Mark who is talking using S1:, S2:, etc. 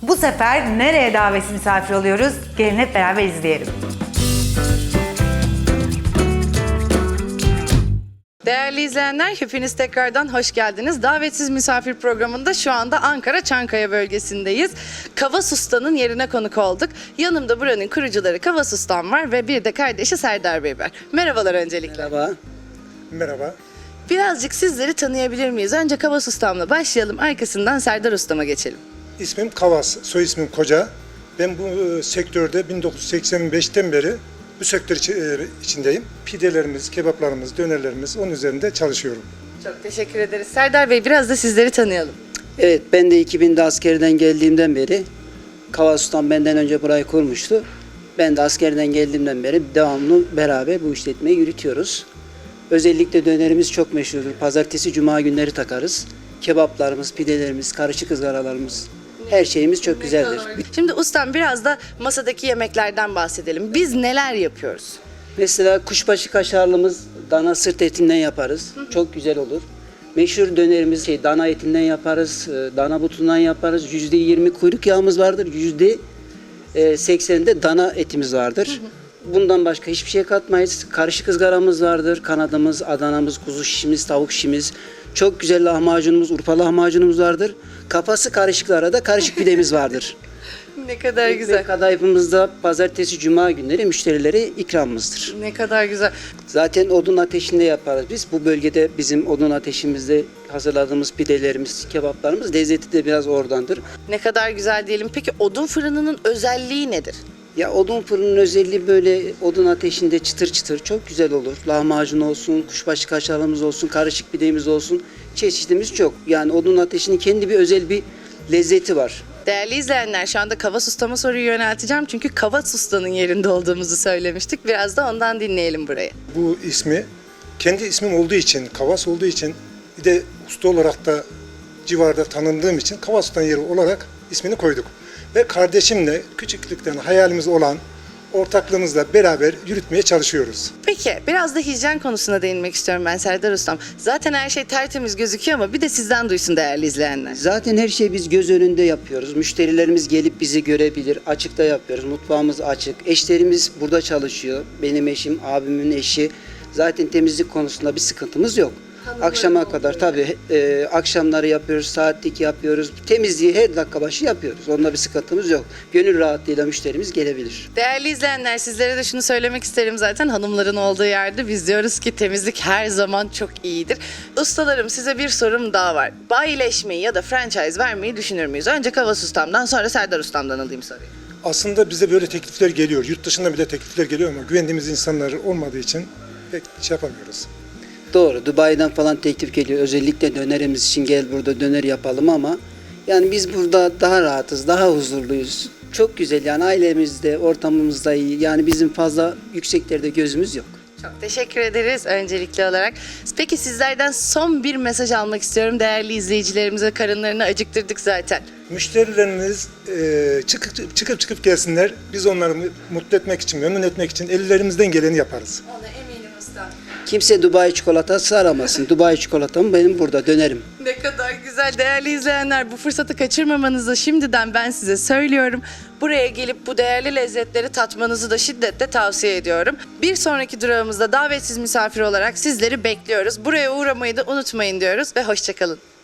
S1: Bu sefer nereye davetsiz misafir oluyoruz? Gelin hep beraber izleyelim.
S2: Değerli izleyenler, hepiniz tekrardan hoş geldiniz. Davetsiz misafir programında şu anda Ankara Çankaya bölgesindeyiz. Kavas Usta'nın yerine konuk olduk. Yanımda buranın kurucuları Kavas Ustam var ve bir de kardeşi Serdar Bey var. Merhabalar öncelikle.
S3: Merhaba.
S4: Merhaba.
S2: Birazcık sizleri tanıyabilir miyiz? Önce Kavas Ustam'la başlayalım, arkasından Serdar Ustam'a geçelim.
S4: İsmim Kavas, soy ismim Koca. Ben bu sektörde 1985'ten beri bu sektör içindeyim. Pidelerimiz, kebaplarımız, dönerlerimiz onun üzerinde çalışıyorum.
S2: Çok teşekkür ederiz. Serdar Bey, biraz da sizleri tanıyalım.
S3: Evet, ben de 2000'de askerden geldiğimden beri Kavas Ustam benden önce burayı kurmuştu. Ben de askerden geldiğimden beri devamlı beraber bu işletmeyi yürütüyoruz. Özellikle dönerimiz çok meşhurdur. Pazartesi, cuma günleri takarız. Kebaplarımız, pidelerimiz, karışık ızgaralarımız, her şeyimiz çok güzeldir.
S2: Şimdi ustam, biraz da masadaki yemeklerden bahsedelim. Biz neler yapıyoruz?
S3: Mesela kuşbaşı kaşarlımız dana sırt etinden yaparız. Çok güzel olur. Meşhur dönerimiz dana etinden yaparız, dana butundan yaparız. %20 kuyruk yağımız vardır, %80'de dana etimiz vardır. Bundan başka hiçbir şey katmayız. Karışık ızgaramız vardır, kanadımız, Adanamız, kuzu şişimiz, tavuk şişimiz. Çok güzel lahmacunumuz, Urfa lahmacunumuz vardır. Kafası karışıklara da karışık pidemiz vardır.
S2: Ne kadar güzel.
S3: Ekmek kadayıfımızda pazartesi, cuma günleri müşterilere ikramımızdır.
S2: Ne kadar güzel.
S3: Zaten odun ateşinde yaparız biz. Bu bölgede bizim odun ateşimizde hazırladığımız pidelerimiz, kebaplarımız lezzeti de biraz oradandır.
S2: Ne kadar güzel diyelim. Peki odun fırınının özelliği nedir?
S3: Ya odun fırının özelliği böyle odun ateşinde çıtır çıtır çok güzel olur. Lahmacun olsun, kuşbaşı kaşarımız olsun, karışık pidemiz olsun. Çeşitimiz çok. Yani odun ateşinin kendi bir özel bir lezzeti var.
S2: Değerli izleyenler, şu anda Kavas Usta'ma soruyu yönelteceğim. Çünkü Kavas Usta'nın yerinde olduğumuzu söylemiştik. Biraz da ondan dinleyelim burayı.
S4: Bu ismi kendi ismim olduğu için, Kavas olduğu için bir de usta olarak da civarda tanındığım için Kavas Usta'nın yeri olarak ismini koyduk. Ve kardeşimle küçüklükten hayalimiz olan ortaklığımızla beraber yürütmeye çalışıyoruz.
S2: Peki, biraz da hijyen konusuna değinmek istiyorum ben Serdar Ustam. Zaten her şey tertemiz gözüküyor ama bir de sizden duysun değerli izleyenler.
S3: Zaten her şeyi biz göz önünde yapıyoruz. Müşterilerimiz gelip bizi görebilir. Açıkta yapıyoruz. Mutfağımız açık. Eşlerimiz burada çalışıyor. Benim eşim, abimin eşi. Zaten temizlik konusunda bir sıkıntımız yok. Akşama kadar tabii akşamları yapıyoruz, saatlik yapıyoruz. Temizliği her dakika başı yapıyoruz. Onda bir sıkıntımız yok. Gönül rahatlığıyla müşterimiz gelebilir.
S2: Değerli izleyenler, sizlere de şunu söylemek isterim, zaten hanımların olduğu yerde biz diyoruz ki temizlik her zaman çok iyidir. Ustalarım, size bir sorum daha var. Bayileşmeyi ya da franchise vermeyi düşünür müyüz? Önce Kavas Ustam'dan, sonra Serdar Ustam'dan alayım soruyu.
S4: Aslında bize böyle teklifler geliyor. Yurt dışında bile teklifler geliyor ama güvendiğimiz insanlar olmadığı için pek şey yapamıyoruz.
S3: Doğru. Dubai'den falan teklif geliyor. Özellikle dönerimiz için gel burada döner yapalım ama yani biz burada daha rahatız, daha huzurluyuz. Çok güzel yani ailemizde, ortamımızda iyi. Yani bizim fazla yükseklerde gözümüz yok.
S2: Çok teşekkür ederiz öncelikli olarak. Peki sizlerden son bir mesaj almak istiyorum. Değerli izleyicilerimize, karınlarını acıktırdık zaten.
S4: Müşterilerimiz çıkıp gelsinler. Biz onları mutlu etmek için, memnun etmek için ellerimizden geleni yaparız.
S2: Ona eminim usta.
S3: Kimse Dubai çikolatası aramasın. Dubai çikolatam benim burada dönerim.
S2: Ne kadar güzel. Değerli izleyenler, bu fırsatı kaçırmamanızı şimdiden ben size söylüyorum. Buraya gelip bu değerli lezzetleri tatmanızı da şiddetle tavsiye ediyorum. Bir sonraki durağımızda davetsiz misafir olarak sizleri bekliyoruz. Buraya uğramayı da unutmayın diyoruz ve hoşça kalın.